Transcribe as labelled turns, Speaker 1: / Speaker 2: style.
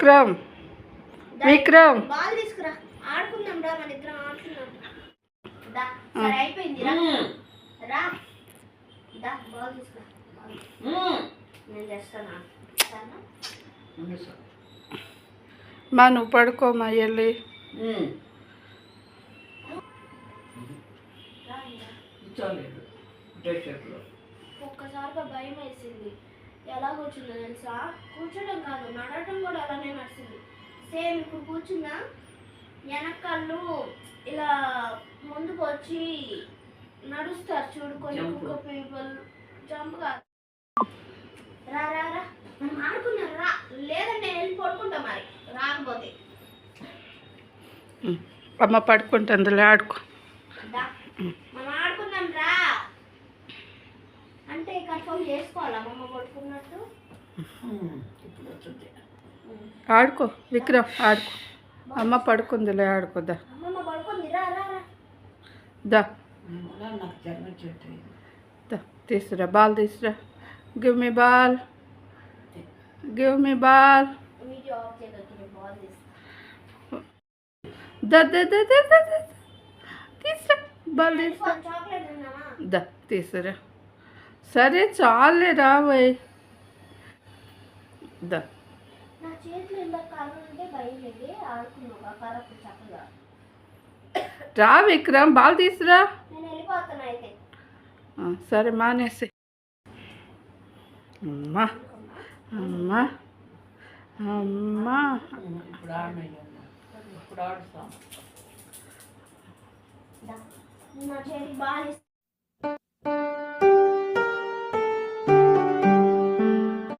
Speaker 1: Vikram Vikram
Speaker 2: ball తీసుకురా ఆడుకుందాం రా మన ఇద్దరం ఆడుకుందాం దా సరే అయిపోయింది రా రా దా బాల్ తీసుకురా నేను చేస్తానా
Speaker 1: మా నువ్వు పడుకోమా వెళ్ళి
Speaker 2: ఒక్కసారిగా భయం వేసింది. ఎలా కూర్చుందో తెలుసా? కూర్చోడం కాదు, నడవటం కూడా అలానే నడిచింది. సేమ్ ఇప్పుడు కూర్చున్నా వెనకాళ్ళు ఇలా ముందుకు వచ్చి నడుస్తారు చూడు కొన్ని కుక్క పీపుల్. జంప్ కాదు. రా రా రా మనం ఆడుకున్నాం రా, లేదంటే నేను వెళ్ళి పడుకుంటా మరి రాకపోతే.
Speaker 1: అమ్మ పడుకుంటుందిలే, ఆడుకో.
Speaker 2: మనం ఆడుకుందాం రా అంటే కన్ఫర్మ్ చేసుకోవాలా అమ్మమ్మ పడుకున్నట్టు.
Speaker 1: ఆడుకో విక్రమ్, ఆడుకో. అమ్మ పడుకుందిలే, ఆడుకోదా.
Speaker 2: అమ్మమ్మ పడుకుంది, రా రా రా
Speaker 1: దా తీసురా, బాల్ తీసురా. Give me ball, give me ball.
Speaker 2: Video off చేయగలిగిన బాల్ తీస్తా.
Speaker 1: తీసురా బాల్, తీసురా.
Speaker 2: చాక్లెట్ తిన్నామా?
Speaker 1: దా తీసురా. సరే చాలే రాబోయ్. దా
Speaker 2: నా చేతిలో ఇలా కర్ర ఉంటే భయం లేదు, ఆడుకున్నావు కర్రకు చక్కగా.
Speaker 1: రా విక్రమ్, బాల్ తీసురా.
Speaker 2: నేను వెళ్ళిపోతున్నా అయితే.
Speaker 1: సరే మానేసి. అమ్మా అమ్మా అమ్మా
Speaker 2: నా చేతికి బాగా